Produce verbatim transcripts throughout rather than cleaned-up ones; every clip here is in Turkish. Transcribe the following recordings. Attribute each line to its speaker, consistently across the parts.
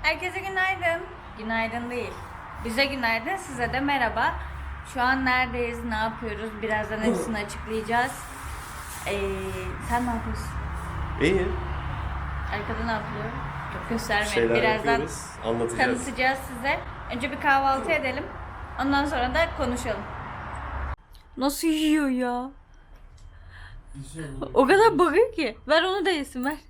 Speaker 1: Herkese günaydın. Günaydın değil. Bize günaydın, size de merhaba. Şu an neredeyiz, ne yapıyoruz? Birazdan hepsini açıklayacağız. Ee, sen ne yapıyorsun?
Speaker 2: İyi.
Speaker 1: Arkada ne yapıyor? Çok göstermeyin.
Speaker 2: Şeyler
Speaker 1: Birazdan
Speaker 2: yapıyoruz, anlatacağız.
Speaker 1: tanıtacağız size. Önce bir kahvaltı edelim. Ondan sonra da konuşalım. Nasıl yiyor ya? O kadar bakıyor ki. Ver onu da yesin, ver.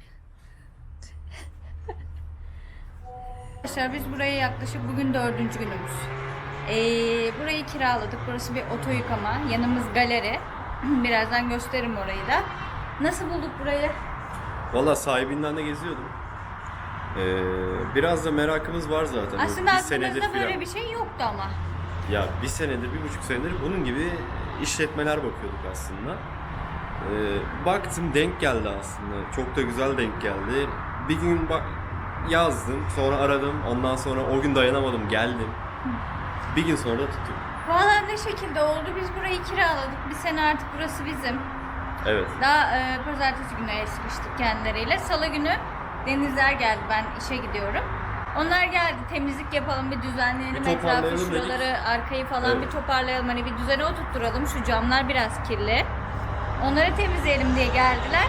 Speaker 1: Arkadaşlar biz buraya yaklaşık bugün dördüncü günümüz. Ee, burayı kiraladık. Burası bir oto yıkama. Yanımız galeri. Birazdan gösteririm orayı da. Nasıl bulduk burayı?
Speaker 2: Valla sahibinden de geziyordum. Ee, biraz da merakımız var zaten.
Speaker 1: Aslında
Speaker 2: bir senedir
Speaker 1: aklımızda böyle
Speaker 2: falan.
Speaker 1: bir şey yoktu ama.
Speaker 2: Ya bir senedir, bir buçuk senedir bunun gibi işletmeler bakıyorduk aslında. Ee, baktım denk geldi aslında. Çok da güzel denk geldi. Bir gün bak yazdım, sonra aradım. Ondan sonra o gün dayanamadım, geldim. Bir gün sonra da tuttum.
Speaker 1: Valla ne şekilde oldu? Biz burayı kiraladık. Bir sene artık burası bizim.
Speaker 2: Evet.
Speaker 1: Daha e, pazartesi günü sıkıştık kendileriyle. Salı günü Denizler geldi. Ben işe gidiyorum. Onlar geldi. Temizlik yapalım, bir düzenleyelim
Speaker 2: Bir
Speaker 1: etrafı,
Speaker 2: toparlayalım
Speaker 1: şuraları,
Speaker 2: dedik.
Speaker 1: arkayı falan
Speaker 2: Evet.
Speaker 1: bir toparlayalım. Hani bir düzene oturtturalım. Şu camlar biraz kirli. Onları temizleyelim diye geldiler.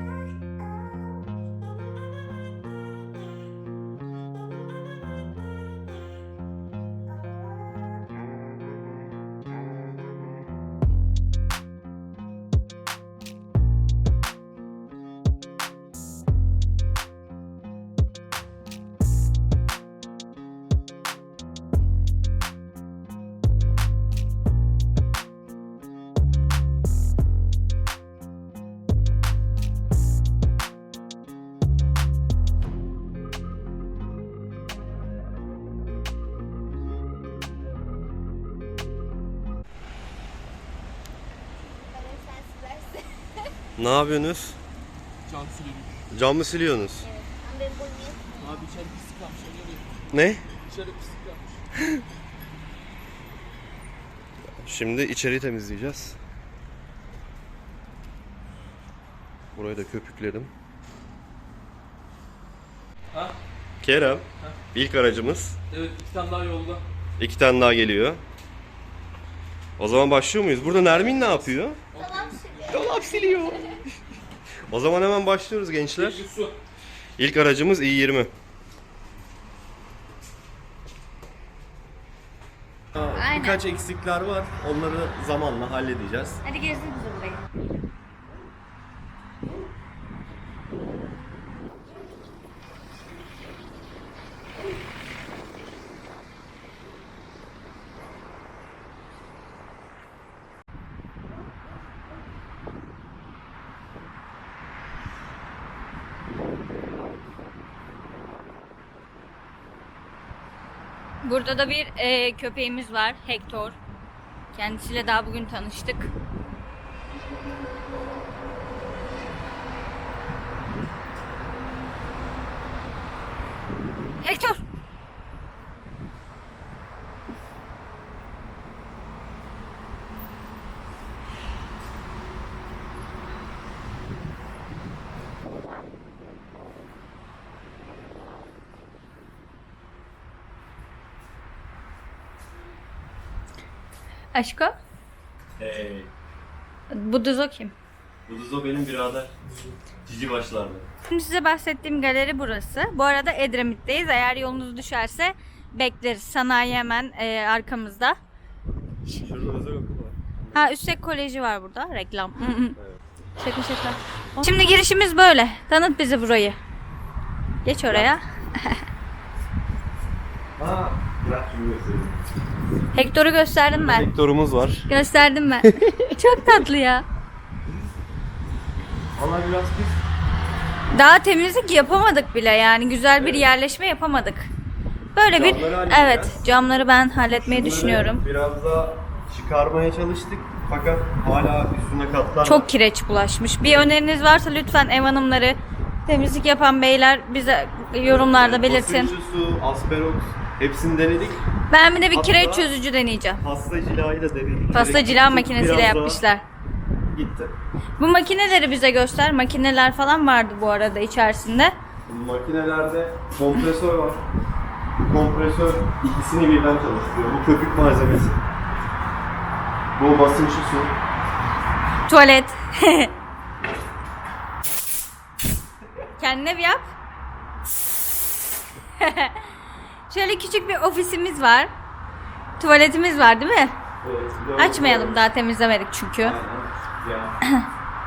Speaker 2: Ne yapıyorsunuz?
Speaker 3: Cam siliyoruz.
Speaker 2: Cam mı siliyorsunuz?
Speaker 3: Abi içeri pislik kalmış. Öyle oluyor.
Speaker 2: Ne?
Speaker 3: İçeri pislik kalmış.
Speaker 2: Şimdi içeriği temizleyeceğiz. Burayı da köpükledim.
Speaker 3: Ha?
Speaker 2: Kerem, ilk aracımız.
Speaker 3: Evet, iki tane daha yolda.
Speaker 2: İki tane daha geliyor. O zaman başlıyor muyuz? Burada Nermin ne yapıyor? Dolap siliyor. O zaman hemen başlıyoruz gençler.
Speaker 3: Bir su.
Speaker 2: İlk aracımız i yirmi.
Speaker 1: Aynen.
Speaker 2: Birkaç eksikler var. Onları zamanla halledeceğiz.
Speaker 1: Hadi gezdir bizi burayı. Burada da bir e, köpeğimiz var, Hector. Kendisiyle daha bugün tanıştık. Hector! Aşko?
Speaker 2: Hey.
Speaker 1: Bu Duzo kim?
Speaker 2: Bu Duzo benim birader. Cici başlarda.
Speaker 1: Şimdi size bahsettiğim galeri burası. Bu arada Edremit'teyiz. Eğer yolunuz düşerse bekleriz. Sanayi hemen e, arkamızda.
Speaker 2: Şurada özel okul var.
Speaker 1: Ha, Üstek Koleji var burada. Reklam. Şaka şaka. Şimdi girişimiz böyle. Tanıt bizi burayı. Geç oraya.
Speaker 2: Ha, bırak şunu göstereyim.
Speaker 1: Hector'u gösterdim ben.
Speaker 2: Vektörümüz var.
Speaker 1: Gösterdim ben. Çok tatlı ya.
Speaker 2: Valla biraz pis.
Speaker 1: Daha temizlik yapamadık bile yani. Güzel bir yerleşme yapamadık. Böyle bir
Speaker 2: Camları halledeceğiz.
Speaker 1: evet, camları ben halletmeyi
Speaker 2: Bunları
Speaker 1: düşünüyorum.
Speaker 2: Biraz da çıkarmaya çalıştık. Fakat hala üstüne katlar var.
Speaker 1: Çok kireç bulaşmış. Bir öneriniz varsa lütfen ev hanımları, temizlik yapan beyler bize yorumlarda belirtin.
Speaker 2: Basınçlı su, asperox hepsini denedik.
Speaker 1: Ben bir de bir
Speaker 2: Hatta-
Speaker 1: kireç çözücü deneyeceğim.
Speaker 2: Pasta cilayı da denedik.
Speaker 1: Pasta
Speaker 2: Direkt
Speaker 1: cila
Speaker 2: gittik,
Speaker 1: makinesiyle
Speaker 2: biraz daha
Speaker 1: yapmışlar.
Speaker 2: Gitti.
Speaker 1: Bu makineleri bize göster. Makineler falan vardı bu arada içerisinde.
Speaker 2: Makinelerde kompresör var. Kompresör ikisini birden çalıştırıyor. Bu köpük malzemesi. Bu basınçlı su.
Speaker 1: Tuvalet. Kendine bir yap. Şöyle küçük bir ofisimiz var. Tuvaletimiz var değil mi?
Speaker 2: Evet, bir de
Speaker 1: Açmayalım, daha temizlemedik çünkü.
Speaker 2: Aynen. Ya.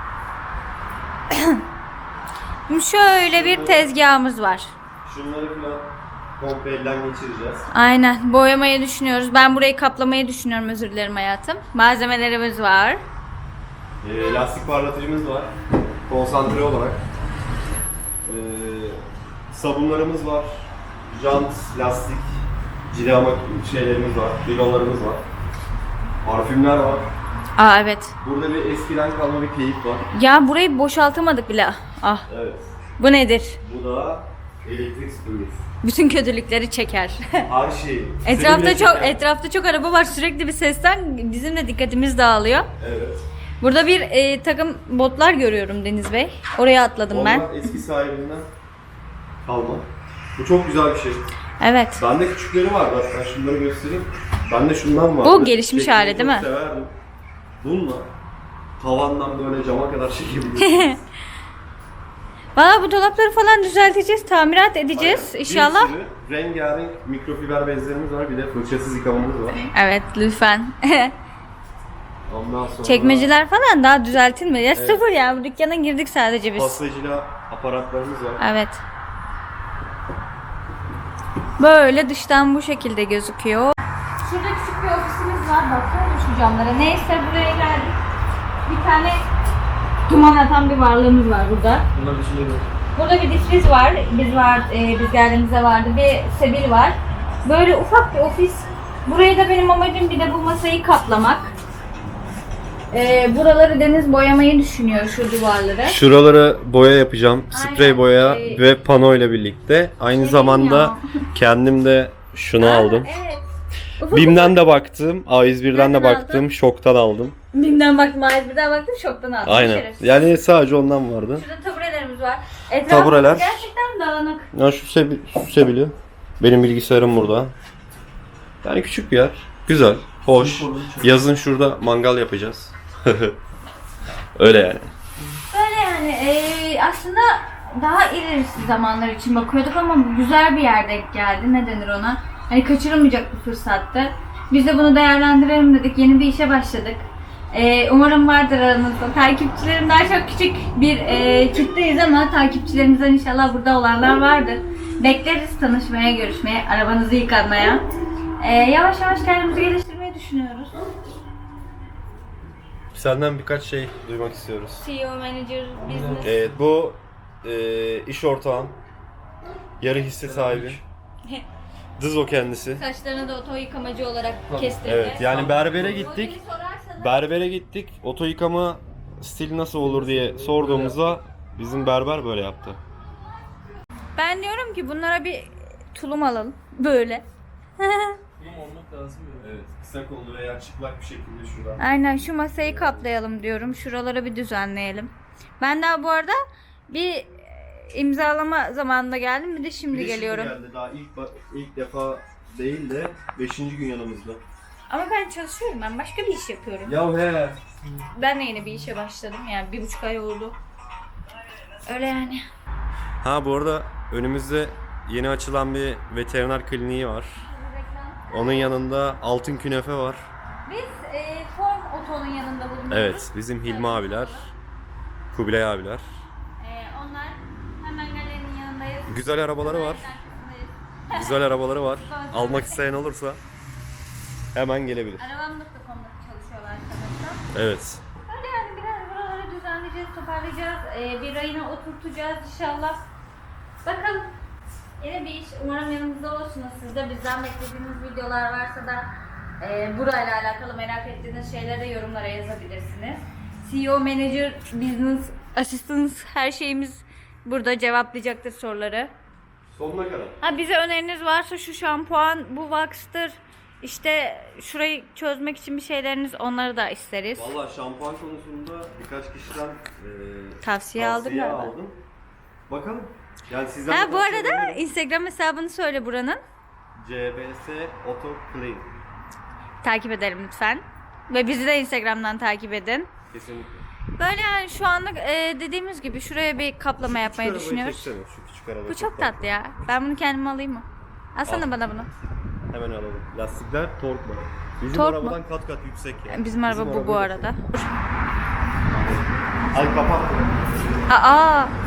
Speaker 1: Şimdi şöyle bir tezgahımız var.
Speaker 2: Şunları falan komple elden geçireceğiz.
Speaker 1: Aynen, boyamayı düşünüyoruz. Ben burayı kaplamayı düşünüyorum, özür dilerim hayatım. Malzemelerimiz var.
Speaker 2: E, lastik parlatıcımız var. Konsantre olarak. E, sabunlarımız var. Jant, lastik, cilama şeylerimiz var. Bidonlarımız var. Parfümler var.
Speaker 1: Aa evet.
Speaker 2: Burada bir eskiden kalma bir keyif var.
Speaker 1: Ya burayı boşaltamadık bile. Ah.
Speaker 2: Evet.
Speaker 1: Bu nedir?
Speaker 2: Bu da elektrik süpürgesi.
Speaker 1: Bütün kötülükleri çeker.
Speaker 2: Her şey.
Speaker 1: Etrafta
Speaker 2: Seninle
Speaker 1: çok
Speaker 2: çeker.
Speaker 1: etrafta çok araba var. Sürekli bir sesten bizim de dikkatimiz dağılıyor.
Speaker 2: Evet.
Speaker 1: Burada bir e, takım botlar görüyorum Deniz Bey. Oraya atladım ben.
Speaker 2: Onlar eski sahibinden kalma. Bu çok güzel bir şey.
Speaker 1: Evet.
Speaker 2: Bende küçükleri var. Bak ben şunları göstereyim. Bende şundan var.
Speaker 1: Bu gelişmiş hali değil mi?
Speaker 2: Severdim. Bununla tavandan böyle cama kadar çekebiliyorsunuz.
Speaker 1: Valla bu dolapları falan düzelteceğiz, tamirat edeceğiz
Speaker 2: Aynen.
Speaker 1: inşallah.
Speaker 2: Bir sürü rengarenk mikrofiber bezlerimiz var. Bir de fırçasız yıkamamız var.
Speaker 1: Evet lütfen.
Speaker 2: Ondan sonra
Speaker 1: Çekmeceler falan daha düzeltilmedi. Ya sıfır ya, bu dükkana girdik sadece biz.
Speaker 2: pastacıyla aparatlarımız var.
Speaker 1: Evet. Böyle dıştan bu şekilde gözüküyor. Şurada küçük bir ofisimiz var. Baksana şu camlara. Neyse buraya geldik. Bir tane duman atan bir varlığımız var burada.
Speaker 3: Bunlar bir şey yok.
Speaker 1: Burada bir difriz var. Biz var, e, biz geldiğimizde vardı. Bir sebil var. Böyle ufak bir ofis. Burayı da benim amacım bir de bu masayı kaplamak. E, buraları Deniz boyamayı düşünüyor, şu duvarları.
Speaker 2: Şuraları boya yapacağım. Sprey
Speaker 1: Aynen.
Speaker 2: boya
Speaker 1: Ee,
Speaker 2: ve pano ile birlikte. Aynı
Speaker 1: şey
Speaker 2: zamanda
Speaker 1: ya.
Speaker 2: kendim de şunu
Speaker 1: Aa,
Speaker 2: aldım.
Speaker 1: Evet. Ufak
Speaker 2: Bim'den de baktım, A yüz bir'den de
Speaker 1: Nereden
Speaker 2: baktım,
Speaker 1: aldın?
Speaker 2: şoktan aldım.
Speaker 1: Bim'den baktım, A yüz bir'den baktım, şoktan aldım.
Speaker 2: Aynen.
Speaker 1: Şerefsiz.
Speaker 2: Yani sadece ondan vardı.
Speaker 1: Şurada taburelerimiz var. Etrafımız
Speaker 2: Tabureler.
Speaker 1: gerçekten dağınık.
Speaker 2: Ya şu, sebi şu sebili. Benim bilgisayarım burada. Yani küçük bir yer. Güzel, hoş. Yazın şurada mangal yapacağız. Öyle yani.
Speaker 1: Böyle yani e, aslında daha ilerisi zamanlar için bakıyorduk ama güzel bir yer denk geldi. Ne denir ona? Hani kaçırılmayacak bir fırsattı. Biz de bunu değerlendirelim dedik. Yeni bir işe başladık. E, umarım vardır aranızda. Takipçilerim daha çok küçük bir e, kitleyiz ama takipçilerimizden inşallah burada olanlar vardır. Bekleriz tanışmaya, görüşmeye, arabanızı yıkanmaya. E, yavaş yavaş kendimizi geliştirmeyi düşünüyoruz.
Speaker 2: Senden birkaç şey duymak istiyoruz.
Speaker 1: C E O, manager, business.
Speaker 2: Evet, bu e, iş ortağım. Yarı hisse sahibi. Dız o kendisi.
Speaker 1: Saçlarını da oto yıkamacı olarak kestirdi.
Speaker 2: Evet, yani berbere gittik.
Speaker 1: Modeli sorarsanız-
Speaker 2: Berbere gittik. Oto yıkama stili nasıl olur diye sorduğumuzda bizim berber böyle yaptı.
Speaker 1: Ben diyorum ki bunlara bir tulum alalım. Böyle.
Speaker 3: Bunun olmak lazım ya.
Speaker 2: Evet, kısa kollu veya çıplak bir şekilde şuradan.
Speaker 1: Aynen, şu masayı kaplayalım diyorum. Şuraları bir düzenleyelim. Ben daha bu arada bir imzalama zamanında geldim. Bir de şimdi
Speaker 2: Bir de
Speaker 1: geliyorum.
Speaker 2: geldi. Daha ilk ba- ilk defa değil de beşinci gün yanımızda.
Speaker 1: Ama ben çalışıyorum. Ben başka bir iş yapıyorum.
Speaker 2: Ya he.
Speaker 1: Ben de yeni bir işe başladım. Yani bir buçuk ay oldu. Öyle yani.
Speaker 2: Ha bu arada önümüzde yeni açılan bir veteriner kliniği var. Onun yanında altın künefe var.
Speaker 1: Biz e, Form Oto'nun yanında bulunuyoruz.
Speaker 2: Evet, bizim Hilmi abiler, Kubilay abiler.
Speaker 1: E, onlar hemen galerinin yanındayız.
Speaker 2: Güzel arabaları var. Güzel arabaları var. Almak isteyen olursa hemen gelebilir.
Speaker 1: Arabam nokta com'da çalışıyorlar arkadaşlar.
Speaker 2: Evet.
Speaker 1: Öyle yani biraz buraları düzenleyeceğiz, toparlayacağız. Ee, bir rayına oturtacağız inşallah. Bakalım. Yine bir iş. Umarım yanımızda olursunuz. Siz de bizden beklediğiniz videolar varsa da e, burayla alakalı merak ettiğiniz şeyleri de yorumlara yazabilirsiniz. C E O, Manager, Business, Assistant her şeyimiz burada cevaplayacaktır soruları.
Speaker 2: Sonuna kadar.
Speaker 1: Ha, bize öneriniz varsa şu şampuan, bu wax'tır. İşte şurayı çözmek için bir şeyleriniz, onları da isteriz.
Speaker 2: Valla şampuan konusunda birkaç kişiden e,
Speaker 1: Tavsiye aldım galiba.
Speaker 2: aldım. Bakalım. Yani sizden
Speaker 1: Ha
Speaker 2: de
Speaker 1: bu
Speaker 2: tavsiye
Speaker 1: arada
Speaker 2: ederim.
Speaker 1: Instagram hesabını söyle buranın.
Speaker 2: C B S Auto Clean.
Speaker 1: Takip edelim lütfen. Ve bizi de Instagram'dan takip edin.
Speaker 2: Kesinlikle.
Speaker 1: Böyle yani şu anlık e, dediğimiz gibi şuraya bir kaplama
Speaker 2: Şu
Speaker 1: yapmayı
Speaker 2: küçük arabayı
Speaker 1: düşünüyoruz.
Speaker 2: çeksene, Şu küçük araba
Speaker 1: Bu çok tatlı ya. Ben bunu kendime alayım mı? Alsana
Speaker 2: Al.
Speaker 1: bana bunu.
Speaker 2: Hemen alalım. Lastikler tork var. Bizim
Speaker 1: Tork mu?
Speaker 2: arabadan kat kat yüksek yani.
Speaker 1: Bizim araba bu bu
Speaker 2: araba
Speaker 1: arada.
Speaker 2: Al kapat.
Speaker 1: Aa,